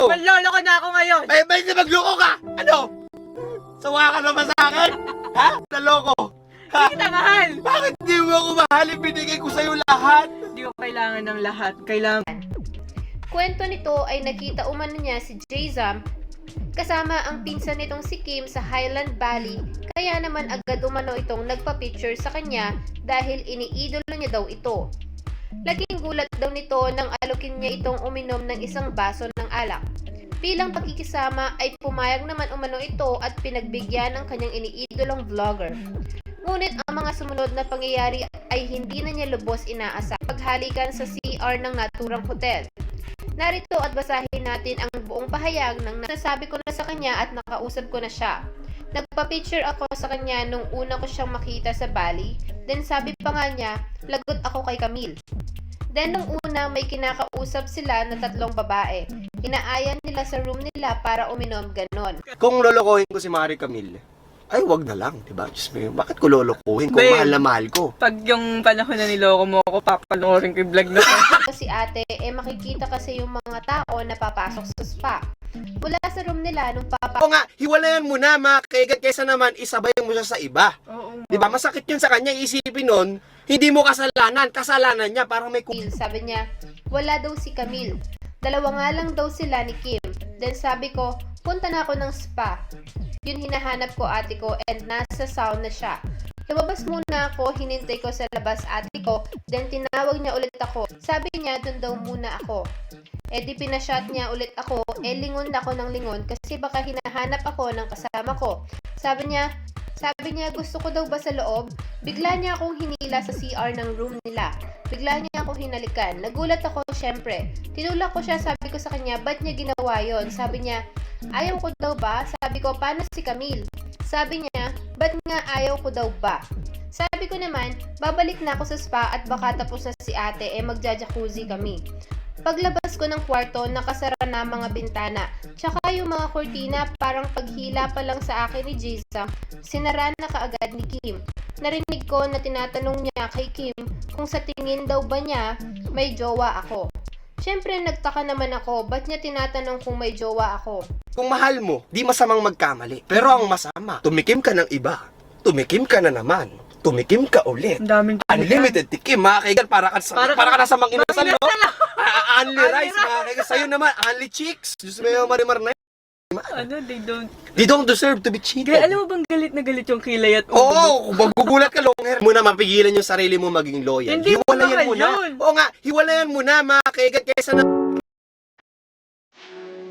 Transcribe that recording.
Manlolo ko na ako ngayon. Ay, may magloko ka! Ano? Sawa ka naman sa akin? Ha? Naloko? Ha? Hindi kita mahal. Bakit di mo ako mahal? Binigay ko sa'yo lahat. Hindi ko kailangan ng lahat. Kailangan. Kwento nito ay nakita umano niya si Jay-Zam kasama ang pinsan nitong si Kim sa Highland Valley, kaya naman agad umano itong nagpa-picture sa kanya dahil iniidolo niya daw ito. Laking gulat daw nito nang alukin niya itong uminom ng isang baso ng alak. Bilang pakikisama ay pumayag naman umano ito at pinagbigyan ng kanyang iniidolong vlogger. Ngunit ang mga sumunod na pangyayari ay hindi na niya lubos inaasa paghalikan sa CR ng naturang hotel. Narito at basahin natin ang buong pahayag ng nasabi ko na sa kanya at nakausap ko na siya. Nagpa-picture ako sa kanya nung una ko siyang makita sa Bali. Then sabi pa nga niya, lagot ako kay Camille. Then nung una may kinakausap sila na 3 babae. Inaayan nila sa room nila para uminom ganon. Kung lolokohin ko si Marie Camille, ay wag na lang, diba? Diyos mo, bakit ko lolokohin kung Babe. mahal na mahal ko? Pag yung panahon na niloko mo ako, papanoorin ko yung vlog na to. Si ate, makikita kasi yung mga tao na papasok sa spa. Mula sa room nila nung O nga, hiwalayan mo na mga kaigat kaysa naman isabay mo siya sa iba. Oo. Diba? Masakit yun sa kanya, isipin nun, hindi mo kasalanan niya, parang may sabi niya, wala daw si Camille. 2 nga lang daw sila ni Kim. Then sabi ko, punta na ako ng spa. Yun hinahanap ko ate ko and nasa sauna siya. Lumabas muna ako, hinintay ko sa labas ate ko, then tinawag niya ulit ako. Sabi niya, dun daw muna ako. Di pinashot niya ulit ako, lingon ako ng lingon kasi baka hinahanap ako ng kasama ko. Sabi niya, gusto ko daw ba sa loob? Bigla niya akong hinila sa CR ng room nila. Bigla niya akong hinalikan. Nagulat ako syempre. Tinulak ko siya, sabi ko sa kanya, ba't niya ginawa yon? Sabi niya, ayaw ko daw ba? Sabi ko, paano si Camille? Sabi niya, ba't nga ayaw ko daw ba? Sabi ko naman, babalik na ako sa spa at baka tapos na si ate magja-jacuzzi kami. Paglabas ko ng kwarto, nakasara na mga bintana. Tsaka yung mga kortina, parang paghila pa lang sa akin ni Jiza, sinara na kaagad ni Kim. Narinig ko na tinatanong niya kay Kim kung sa tingin daw ba niya may jowa ako. Siyempre nagtaka naman ako, ba't niya tinatanong kung may jowa ako? Kung mahal mo, di masamang magkamali. Pero ang masama, tumikim ka ng iba. Tumikim ka na naman. Tumikim ka ulit. Ang daming Unlimited tikim, mga kaigan, para ka nasa mang inasal, no? Only rice, mga kaigan. Sa'yo naman, only chicks. Diyos mo yung marimar na yun. Ano, They don't deserve to be cheated. Kaya alam mo bang galit na galit yung kilay at Oo, kung magugulat ka, long hair mo na mapigilan yung sarili mo maging loyal. Hindi mo Hiwalayan mo na. mahal yun. Oo nga, hiwalayan mo na, mga kaigan, kaysa na